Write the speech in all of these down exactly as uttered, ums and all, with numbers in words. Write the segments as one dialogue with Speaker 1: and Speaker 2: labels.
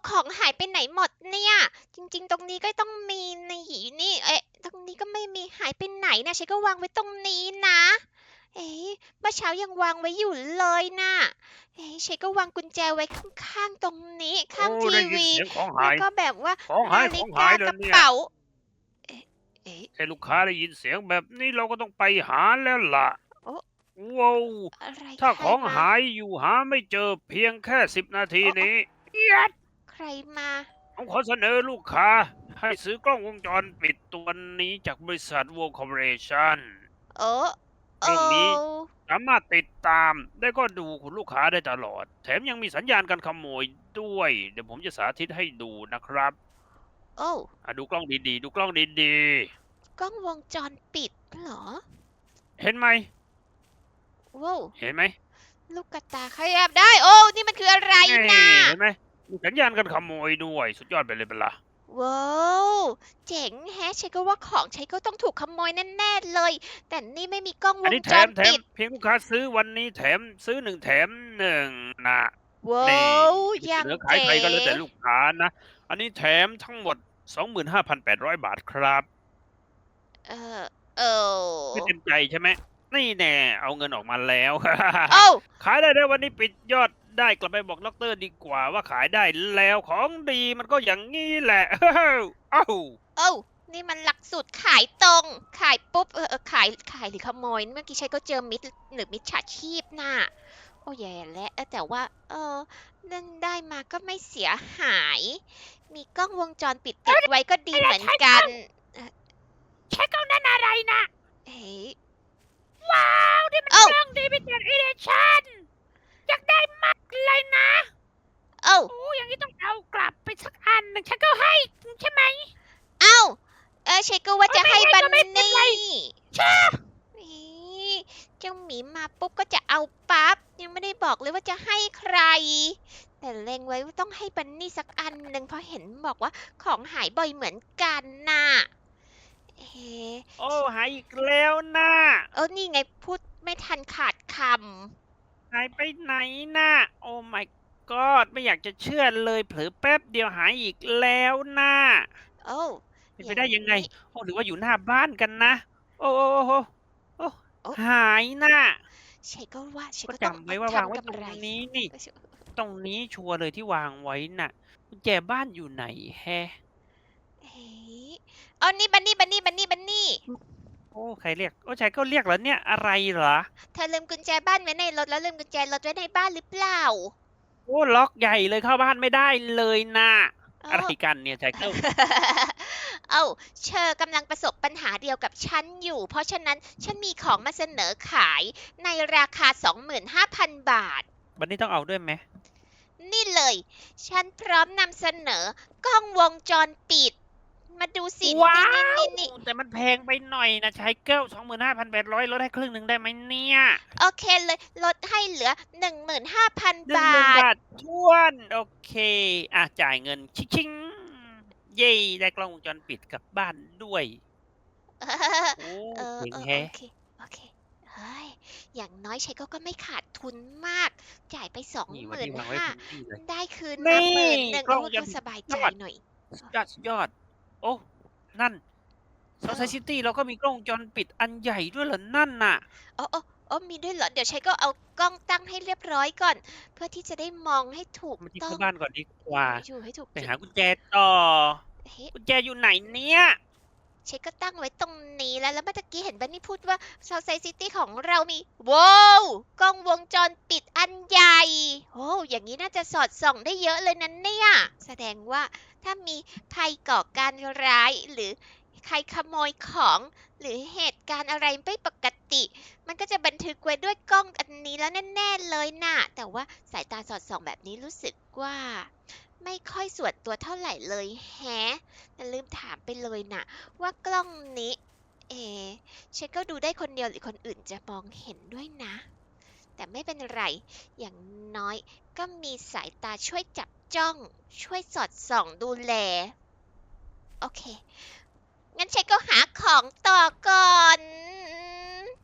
Speaker 1: ของหายไปไหนหมดเนี่ย จริงๆ ตรงนี้ก็ต้องมีนี่นี่ เอ๊ะ ตรงนี้ก็ไม่มีหายไปไหนนะฉันก็วางไว้ตรงนี้นะ เอ๊ะเมื่อเช้ายังวางไว้อยู่เลยนะเอ๊ะฉันก็วางกุญแจไว้ข้างๆตรงนี้
Speaker 2: โอ้
Speaker 1: ข้างที
Speaker 2: ได้ยิน
Speaker 1: วี
Speaker 2: เสียงของ
Speaker 1: แล้ว
Speaker 2: หาย
Speaker 1: ก็แบบว่า
Speaker 2: ของหา
Speaker 1: นา
Speaker 2: ยของหาย
Speaker 1: ฬิกากระ
Speaker 2: เลยเนี่ย
Speaker 1: เป๋า เอ๊ะเอ๊ะ
Speaker 2: แค่ลูกค้าได้ยินเสียงแบบนี้เราก็ต้องไปหาแล้วล่ะ
Speaker 1: โอ้
Speaker 2: ว้าว
Speaker 1: อะไร
Speaker 2: ถ้า
Speaker 1: ใคร
Speaker 2: ของ
Speaker 1: มา
Speaker 2: หายอยู่หาไม่เจอเพียงแค่สิบนาที
Speaker 1: โอ้โอ้
Speaker 2: นี้เอี๊ยด
Speaker 1: ใครมา
Speaker 2: ผมขอเสนอลูกค้าให้ซื้อกล้องวงจรปิดตัวนี้จากบริษัท World Corporation
Speaker 1: โอ้โอ้
Speaker 2: กล้องนี้สามารถติดตามและก็ดูคุณลูกค้าได้ตลอดแถมยังมีสัญญาณการขโมยด้วยเดี๋ยวผมจะสาธิตให้ดูนะครับ
Speaker 1: โอ้
Speaker 2: อ่ะดูกล้องดีๆดูกล้องดี
Speaker 1: กล้องวงจรปิดเหรอ
Speaker 2: ๆเห็นไหม
Speaker 1: ว้าว
Speaker 2: เห็นไหม
Speaker 1: ลูกกระตาขยับได้โอ้นี่มันคืออะไร
Speaker 2: นี่
Speaker 1: น่ะ
Speaker 2: เห็นไหมมีสัญญาณการขโมยด้วยสุดยอดไปเลยเป็นล่ะ
Speaker 1: ว้าวเจ๋งแฮะฉันก็ว่าของฉันก็ต้องถูกขโมยแน่ๆเลยแต่นี่ไม่มีกล้องวง
Speaker 2: อันนี้แถมแถม
Speaker 1: จรปิด
Speaker 2: เพียงลูกค้าซื้อวันนี้แถมซื้อหนึ่งแถมหนึ่งนะ
Speaker 1: ว้า
Speaker 2: นี่
Speaker 1: ว
Speaker 2: จะเส
Speaker 1: ยัง
Speaker 2: นอขาย
Speaker 1: เก๋
Speaker 2: ใครก็แล้วแต่ลูกค้านะอันนี้แถมทั้งหมดสองหมื่นห้าพันแปดร้อยบาทครับ
Speaker 1: เออเออ
Speaker 2: ไม่เต็มใจใช่ไหมนี่แน่เอาเงินออกมาแล้ว
Speaker 1: โอ้า
Speaker 2: ขายได้แล้ววันนี้ปิดยอดได้กลับไปบอกด็อกเตอร์ดีกว่าว่าขายได้แล้วของดีมันก็อย่างนี้แหละ เอ้า
Speaker 1: โอ้านี่มันหลักสูตรขายตรงขายปุ๊บเออเออขายขายหรือขโมยเมื่อกี้ฉันก็เจอมิจหรือมิจฉาชีพน่ะโอ้แย่แล้วเออแต่ว่าเออนั่นได้มาก็ไม่เสียหายมีกล้องวงจรปิดติดไว้ก็ดีเหมือนกันเอ่อ
Speaker 2: ใช้กล้องนั้นอะไรนะ
Speaker 1: เฮ้ย
Speaker 2: ว้าวนี่มัน
Speaker 1: โอ้า
Speaker 2: กล้อง Limited Edition อยากได้มากเลยนะ
Speaker 1: โอ้า
Speaker 2: โอ้อย่างนี้ต้องเอากลับไปสักอันหนึ่งฉันก็ให้ใช่ไหม
Speaker 1: เอ้าเออฉันก็ว่า
Speaker 2: โอ้
Speaker 1: จะให้บัน
Speaker 2: ไม่ให้ก็ไม่เป็น
Speaker 1: นี่
Speaker 2: ไรชา
Speaker 1: นี่เจ้าหมีมาปุ๊บก็จะเอาปั๊บยังไม่ได้บอกเลยว่าจะให้ใครแต่เล็งไว้ว่าต้องให้บันนี่สักอันหนึ่งเพราะเห็นบอกว่าของหายบ่อยเหมือนกันน่ะเอ๊ะ
Speaker 2: โอ้หายอีกแล้วนะ
Speaker 1: เออนี่ไงพูดไม่ทันขาดค
Speaker 2: หายไปไหนนะโอ้ my god ไม่อยากจะเชื่อเลยเผลอแป๊บเดียวหายอีกแล้วนะ
Speaker 1: ำโอ้
Speaker 2: เป็น
Speaker 1: อย่าง
Speaker 2: ไปได้ยังไง
Speaker 1: นี้
Speaker 2: โอ้หรือว่าอยู่หน้าบ้านกันนะโอ้โอ้โอ้โอ้
Speaker 1: โอ้
Speaker 2: หายนะ
Speaker 1: ฉันก็ว่าฉัน
Speaker 2: ก็
Speaker 1: ก็ต้อง
Speaker 2: จำไว้
Speaker 1: เอา
Speaker 2: ว่าวางไว้ตรง
Speaker 1: ทำกำไร
Speaker 2: นี้นี่ ตรงนี้ชัวร์เลยที่วางไว้น่ะกุญแจบ้านอยู่ไหนแฮะ
Speaker 1: เฮ้ยเอานี่บันนี่บันนี่บันนี่บันนี่
Speaker 2: โอ้ใครเรียกโอ้ชายก็เรียกเหรอเนี่ยอะไรเหรอ
Speaker 1: เธอลืมกุญแจบ้านไว้ในรถแล้วลืมกุญแจรถไว้ในบ้านหรือเปล่า
Speaker 2: โอ้ล็อกใหญ่เลยเข้าบ้านไม่ได้เลยน่ะ
Speaker 1: เอ
Speaker 2: อะไร
Speaker 1: อ
Speaker 2: กันเนี่ยชายเกิล
Speaker 1: เอ้าเชอกำลังประสบปัญหาเดียวกับฉันอยู่ เพราะฉะนั้นฉันมีของมาเสนอขายในราคาสองหมื่นห้าพันบาท
Speaker 2: วันนี้ต้องเอาด้วยไหม
Speaker 1: นี่เลย ฉันพร้อมนำเสนอกล้องวงจรปิด มาดูสิ
Speaker 2: ว้า
Speaker 1: นี่นี่
Speaker 2: ว
Speaker 1: นี่นี่
Speaker 2: แต่มันแพงไปหน่อยนะชายเกิลสองหมื่นห้าพันแปดร้อยลดให้ครึ่งหนึ่งได้ไหมเนี่ย
Speaker 1: โอเคเลยลดให้เหลือหนึ่งหมื่นห้าพันบ
Speaker 2: หนึ่งหมื่น
Speaker 1: าท
Speaker 2: บาททวนโอเคอ่ะจ่ายเงินชิงๆเย้ได้กล้องวงจรปิดกลับบ้านด้วยโอ้
Speaker 1: เออ
Speaker 2: เจ๋ง
Speaker 1: เออโอ
Speaker 2: แฮะ
Speaker 1: เคโอเคเฮ้ยอย่างน้อยใช้ก็ก็ไม่ขาดทุนมาก จ่ายไปสอง
Speaker 2: นี่
Speaker 1: หมื่น
Speaker 2: วันนี้วางไว้
Speaker 1: ห้า
Speaker 2: ถึงที่เลย
Speaker 1: ได้คืนมา
Speaker 2: นี่
Speaker 1: หมื่นหนึ่งโอ้
Speaker 2: กล้องวงจร
Speaker 1: ก็สบายใจ
Speaker 2: ปิดยอด
Speaker 1: หน่อย
Speaker 2: สุดยอดสุดยอดโอ้นั่น
Speaker 1: เอ
Speaker 2: South
Speaker 1: อ
Speaker 2: City เราก็มีกล้องวงจรปิดอันใหญ่ด้วยเหรอนั่นน่ะ
Speaker 1: โอ้โอ้โอ้มีด้วยเหรอ เดี๋ยวใช้ก็เอากล้องตั้งให้เรียบร้อยก่อน เพื่อที่จะได้มองให้ถูก
Speaker 2: มาที่
Speaker 1: ต้อง
Speaker 2: เข้าบ้านก่อนดีกว่า
Speaker 1: อยู่ให้ถูก
Speaker 2: ไป
Speaker 1: จุด
Speaker 2: หากุญแจต่อ
Speaker 1: เฮ้
Speaker 2: กุญแจอยู่ไหนเนี่ย
Speaker 1: เช็คก็ตั้งไว้ตรงนี้แล้ว แล้วเมื่อกี้เห็นบันนี่พูดว่า South City ของเรามีว้าวกล้องวงจรปิดอันใหญ่โอ้อย่างนี้น่าจะสอดส่องได้เยอะเลยนั้นเนี่ย แสดงว่าถ้ามีภัยก่อการร้ายหรือใครขโมยของหรือเหตุการณ์อะไรไม่ปกติ มันก็จะบันทึกไว้ด้วยกล้องอันนี้แล้วแน่ๆเลยน่ะ แต่ว่าสายตาสอดส่องแบบนี้รู้สึกว่า ไม่ค่อยส่วนตัวเท่าไหร่เลยแฮะแต่ลืมถามไปเลยน่ะ ว่ากล้องนี้ เอฉันก็ดูได้คนเดียวหรือคนอื่นจะมองเห็นด้วยนะ แต่ไม่เป็นไร อย่างน้อยก็มีสายตาช่วยจับจ้อง ช่วยสอดส่องดูแล โอเค งั้นฉันก็หาของต่อก่อน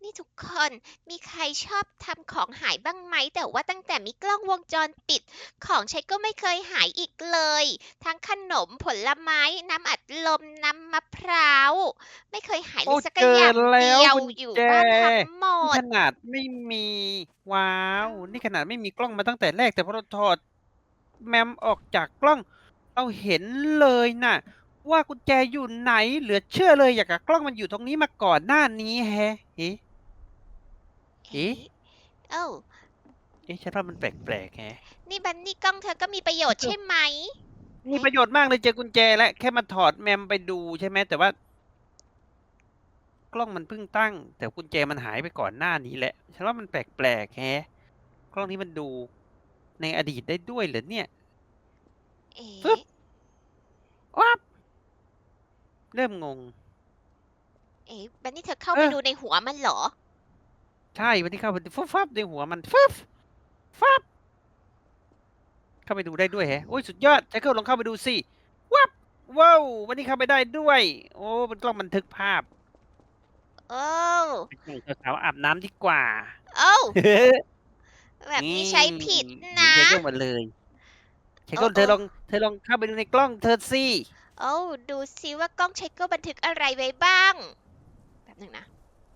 Speaker 1: นี่ทุกคนมีใครชอบทำของหายบ้างไหมแต่ว่าตั้งแต่มีกล้องวงจรปิดของใช้ก็ไม่เคยหายอีกเลยทั้งขนมผลไม้น้ำอัดลมน้ำมะพร้าวไม่เคยหายเล
Speaker 3: โอ้
Speaker 1: ยสัก
Speaker 3: เจอ
Speaker 1: อย่าง
Speaker 3: แล้
Speaker 1: เดี
Speaker 3: ว
Speaker 1: ยว
Speaker 3: กุญ
Speaker 1: อยู่
Speaker 3: แจ
Speaker 1: บ้านทั้งหม
Speaker 3: นี่
Speaker 1: ด
Speaker 3: ขนาดไม่มี ว้าว นี่ขนาดไม่มีกล้องมาตั้งแต่แรก แต่พอเราถอดแมมออกจากกล้อง เราเห็นเลยน่ะ ว่ากุญแจอยู่ไหน เหลือเชื่อเลยอย่างกับกล้องมันอยู่ตรงนี้มาก่อนหน้านี้แฮะ เอ๊ะ เอ๊ะ
Speaker 1: เอ้า
Speaker 3: เอ๊ะ ฉันว่ามันแปลกๆแฮะ
Speaker 1: นี่บันนี่กล้องเธอก็มีประโยชน์ใช่ไหม
Speaker 3: มีประโยชน์มากเลยเจอกุญแจแล้ว แค่มาถอดแมมไปดูใช่ไหม แต่ว่า กล้องมันเพิ่งตั้ง แต่กุญแจมันหายไปก่อนหน้านี้แหละ ฉันว่ามันแปลกๆแฮะ กล้องนี้มันดูในอดีตได้ด้วยเหรอเนี่ย
Speaker 1: เอ๊
Speaker 3: ฟึบ
Speaker 1: ะ
Speaker 3: วับ เริ่มงง
Speaker 1: เอ๊ะบันนี่เธอเข้า
Speaker 3: เอ
Speaker 1: ไป
Speaker 3: อ
Speaker 1: ดูในหัวมันเหรอ
Speaker 3: ใช่ วันนี้เข้าไปฟึบฟับในหัวมันฟึบฟับ เข้าไปดูได้ด้วยแฮะ โอ๊ย สุดยอด Jackal ลองเข้าไปดูสิ วับ ว้าว วันนี้เข้าไปได้ด้วย โอ้ เป็นกล้องบันทึกภาพ
Speaker 1: โอ้
Speaker 3: ไปส่งสาวๆอาบน้ำดีกว่า
Speaker 1: โอ้แบบนี้ใช้ผิด
Speaker 3: เหมือ
Speaker 1: นะ
Speaker 3: น Jackal หมดเลย Jackal เธอลอง เธอลองเข้าไปดูในกล้องเธอสิ
Speaker 1: โอ้ดูซิว่ากล้องใช้ก็บันทึกอะไรไว้บ้างแป๊บหนึงนะ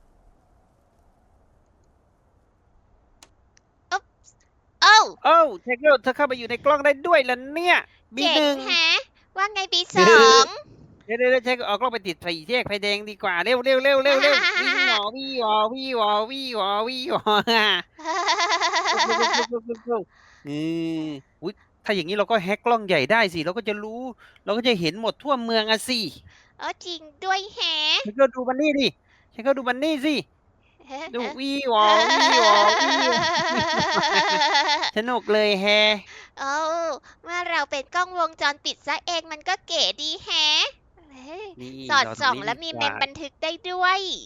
Speaker 1: อ๊บโอ้
Speaker 3: โอ้ Jackal เธอเข้าไปอยู่ในกล้องได้ด้วยเหรอเนี่ย บี
Speaker 1: เจ๋
Speaker 3: หนึ่
Speaker 1: ง
Speaker 3: ง
Speaker 1: แฮะ ว่าไงบีสอง
Speaker 3: เดี๋ยวเดี๋ยวเดี๋ยว Jackal เอากล้องไปติดไฟแยกไฟแดงดีกว่า เร็วเร็วเร็วเร็วเร็ววี่หวอวี่หวอวี่หวอวี่หวอวี่หวออืมอุ๊ย ถ้าอย่างนี้เราก็แฮ็กกล้องใหญ่ได้สิ เราก็จะรู้ เราก็จะเห็นหมดทั่วเมืองอะสิ
Speaker 1: เออจริงด้วยแฮะ
Speaker 3: Jackal ดูบันนี่ดิ Jackal ดูบันนี่สิ ดูวี่หวอวี่หวอวี่หวอสนุกเลยแฮะ
Speaker 1: โอ้เมื่อเราเป็นกล้องวงจรปิดซะเองมันก็เก๋ดีแฮะเฮ้ย
Speaker 3: นี่
Speaker 1: สอด
Speaker 3: เรา
Speaker 1: ส่อง
Speaker 3: ตรงนี้
Speaker 1: และมี
Speaker 3: ดีก
Speaker 1: เม
Speaker 3: ว่า
Speaker 1: มบันทึกได้ด้วย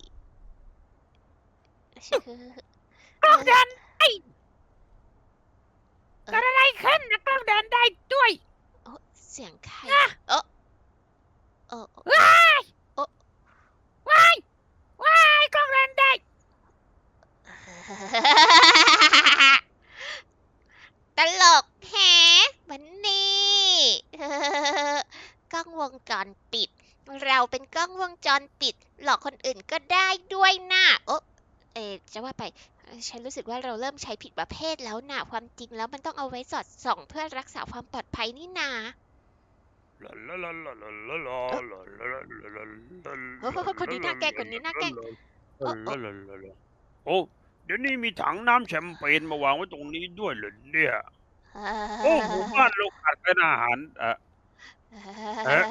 Speaker 3: กล้องเดินได้
Speaker 1: เออ
Speaker 3: เกิดอะไรขึ้นนะกล้องเดินได้ด้วย
Speaker 1: โอ้เสียงใคร
Speaker 3: อะ
Speaker 1: โอ้โอ้โอ้
Speaker 3: ว้าย
Speaker 1: โอ้
Speaker 3: ว้ายว้ายกล้องเดินได้
Speaker 1: ตลกแฮะมันนี่ กล้องวงจรปิด เราเป็นกล้องวงจรปิด หลอกคนอื่นก็ได้ด้วยนะโอ้เอะจะว่าไปเอ่อฉันรู้สึกว่าเราเริ่มใช้ผิดประเภทแล้วนะความจริงแล้วมันต้องเอาไว้สอดส่องเพื่อรักษาความปลอดภัยนี่นาโอ้โหคนนี้น่าแกล้งคนนี้น่าแกล้งโอ้โอ้
Speaker 2: โอ้เดี๋ยวนี้มีถังน้ำแชมเปญมาวางไว้ตรงนี้ด้วยเหรอเนี่ย โอ้หมู่บ้านเราขาดเป็นอาหารเอ่อ เอ๊ะ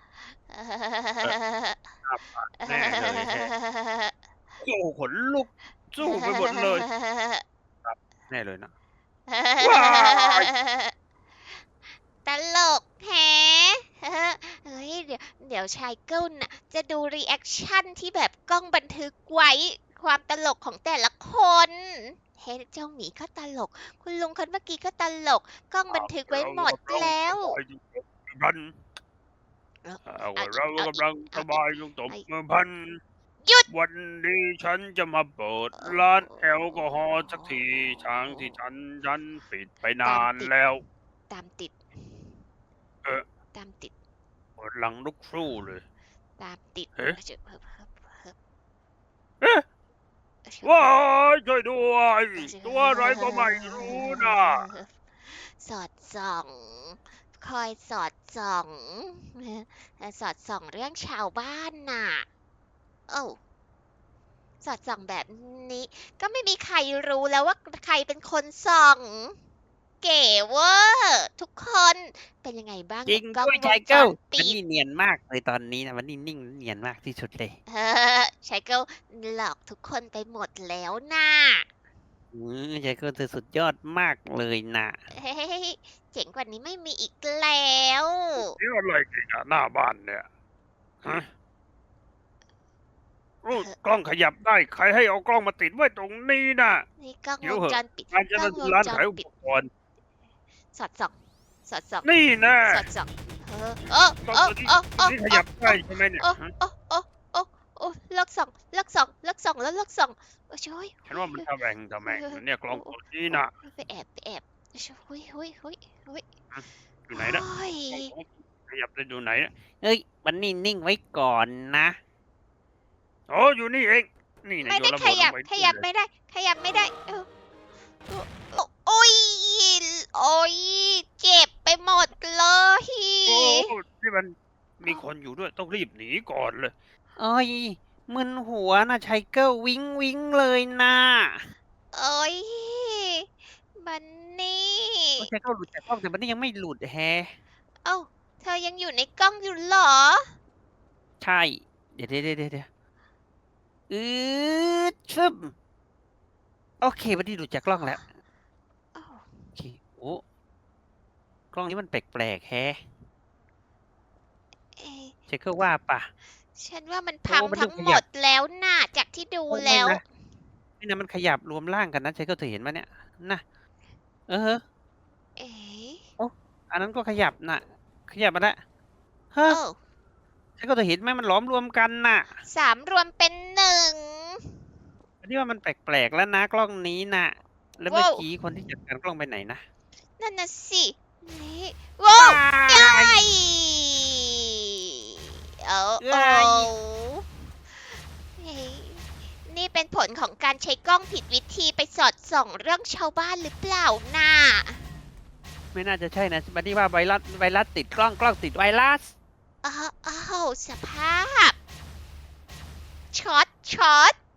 Speaker 2: แน่เลยแฮะ โอ้ขนลุกสู้ไปหมดเลย แน่เลยนะ ว้าย
Speaker 1: ตลกแฮะเฮ้ยเดี๋ยวเดี๋ยวชายเกิลน่ะจะดูรีแอคชั่นที่แบบกล้องบันทึกไว้ ความตลกของแต่ละคนเฮ้ยเจ้าหมีก็ตลก คุณลุงคนเมื่อกี้ก็ตลก กล้องบันทึกไว้หมดแล้ว
Speaker 2: พัน
Speaker 1: เอ้า
Speaker 2: เอา
Speaker 1: เอาอีก
Speaker 2: เรา
Speaker 1: เอาอีก
Speaker 2: กำลังสบายลงตบมือพัน
Speaker 1: หยุด
Speaker 2: วันนี้ฉันจะมาเปิดร้านแอลกอฮอล์สักทีทางที่ฉันฉันปิดไปนานแล้ว
Speaker 1: ตามติด
Speaker 2: เอ๊ะ
Speaker 1: ตามติด
Speaker 2: เปิดหลังลุกสู้เลย
Speaker 1: ตามติด
Speaker 2: เอ๊ะ
Speaker 1: เชิบเฮิบเฮิบเฮิบ
Speaker 2: เอ๊ะ
Speaker 1: เชิบ
Speaker 2: ว้ายช่วยด้วย
Speaker 1: เชิบ
Speaker 2: ตัวอะไรก็ไม่รู้นะ
Speaker 1: สอดส่อง คอยสอดส่อง สอดส่องเรื่องชาวบ้านน่ะ โอ้าสอดส่องแบบนี้ ก็ไม่มีใครรู้แล้วว่าใครเป็นคนส่อง เก๋เวอร์ทุกคนเป็นยังไงบ้าง
Speaker 3: จริง
Speaker 1: กับกล้อง
Speaker 3: ด้วย
Speaker 1: ว
Speaker 3: ชาง ย
Speaker 1: จ
Speaker 3: เกิล
Speaker 1: ร
Speaker 3: มัน
Speaker 1: ปิด
Speaker 3: นี่เนียนมากเลยตอนนี้นะมันนี่นิ่งเนียนมากที่สุดเลย
Speaker 1: เออชายเกิลหลอกทุกคนไปหมดแล้วน่ะ
Speaker 3: อืมชายเกิลเธอสุดยอดมากเลยนะ
Speaker 1: เฮ้ยเจ๋งกว่านี้ไม่มีอีกแล้ว
Speaker 2: นี่อะไรกันอะหน้าบ้านเนี่ยฮะโอ้กล้องขยับได้ใครให้เอากล้องมาติดไว้ตรงนี้น่ะ
Speaker 1: นี่กล้อง
Speaker 2: เดี๋ยว
Speaker 1: วง
Speaker 2: เหอะ
Speaker 1: จรปิด
Speaker 2: การจะ
Speaker 1: กล้องวง
Speaker 2: ร้าน
Speaker 1: จ
Speaker 2: ขาย
Speaker 1: ร
Speaker 2: อุ
Speaker 1: ปิ
Speaker 2: ป
Speaker 1: ด
Speaker 2: กรณ์
Speaker 1: สอดส่องสอดส่อง
Speaker 2: นี่นะ
Speaker 1: สอดส่องเออโอ้
Speaker 2: กล้อง
Speaker 1: โอ้
Speaker 2: ตัวนี้
Speaker 1: โอ้
Speaker 2: ตัว
Speaker 1: โอ้
Speaker 2: นี้ขยับได้ใช่ไหมเนี่ย
Speaker 1: โอ้
Speaker 2: ฮะ
Speaker 1: โอ้โอ้โอ้โอ้เลิกส่องเลิกส่องเลิกส่องแล้วเลิกส่องโอ้ยโอ้ย
Speaker 2: ฉันว่ามันทะแหวงทะแหมงนะเนี่ยกล้องตัวนี้น่ะ
Speaker 1: ไปแอบไปแอบโอ้ยโอ้ยโอ้ยโอ้ย
Speaker 2: อยู่ไหนนะ
Speaker 1: โอ้ย
Speaker 2: ขยับไปอยู่ไหนนะ
Speaker 3: เอ้ยมันนิ่งๆไว้ก่อนนะ
Speaker 2: โอ้อยู่นี่เองนี่นะ
Speaker 1: ไม่
Speaker 2: โย
Speaker 1: ได้
Speaker 2: นระ
Speaker 1: ข
Speaker 2: เบิดล
Speaker 1: ยับ
Speaker 2: งไป
Speaker 1: ขยับ
Speaker 2: เลย
Speaker 1: ไม่ได้ ขยับไม่ได้เออโอ้ยโอ้ยเจ็บไปหมดเลย
Speaker 2: โอ้ที่มันมีคนอยู่ด้วยต้องรีบหนีก่อนเลย
Speaker 3: เอ้ยมึนหัวนะไชเกิลวิงวิงเลยนะ
Speaker 1: โอ้ยบันนี่
Speaker 3: โอ้ไชเกิลหลุดจากกล้องแต่มันนี่ยังไม่หลุดแฮะ
Speaker 1: เอ้าเธอยังอยู่ในกล้องอยู่เหรอ
Speaker 3: ใช่ เดี๋ยวเดี๋ยวเดี๋ยวเดี๋ยวอืดชึบโอเคมันนี่หลุดจากกล้องแล้ว
Speaker 1: อ้าว
Speaker 3: โอเคโอ้กล้องนี้มันแปลกๆแฮะ
Speaker 1: เอ๊ะ
Speaker 3: ไชเกิลว่าปะ
Speaker 1: ฉันว่ามันพัง
Speaker 3: โอ้มัน
Speaker 1: ทั้ง
Speaker 3: ดูข
Speaker 1: หม
Speaker 3: ยับ
Speaker 1: ดแล้วน่ะจากที่ดู
Speaker 3: โอ้ไม่
Speaker 1: แล้ว
Speaker 3: นะ นี่นะมันขยับรวมร่างกันนะไชเกิลเธอเห็นไหมเนี่ยนะเออ
Speaker 1: เอ๊ะ
Speaker 3: อันนั้นก็ขยับน่ะ ขยับมาแล้วเฮ้อ
Speaker 1: โอ้
Speaker 3: ไชเกิลเธอเห็นไหมมันล้อมรวมกันน่ะ
Speaker 1: สามรวมเป็นหนึ่ง
Speaker 3: อันนี้ว่ามันแปลกๆแล้วนะกล้องนี้น่ะ แล้วเมื่อ
Speaker 1: ว้าว
Speaker 3: กี้คนที่จัดการกล้องไปไหนนะ
Speaker 1: นั่นน่ะสินี่ว้าว
Speaker 3: ว้า
Speaker 1: ไอ้
Speaker 3: ย
Speaker 1: เอา
Speaker 3: เอ้
Speaker 1: โอ้
Speaker 3: ย
Speaker 1: เฮ้ยนี่เป็นผลของการใช้กล้องผิดวิธีไปสอดส่องเรื่องชาวบ้านหรือเปล่าน่ะ
Speaker 3: ไม่น่าจะใช่นะบัดนี้ว่าไวรัสไวรัสติดกล้องกล้องติดไวรัส
Speaker 1: อ้าวอ้าวสภาพช็อตช็อต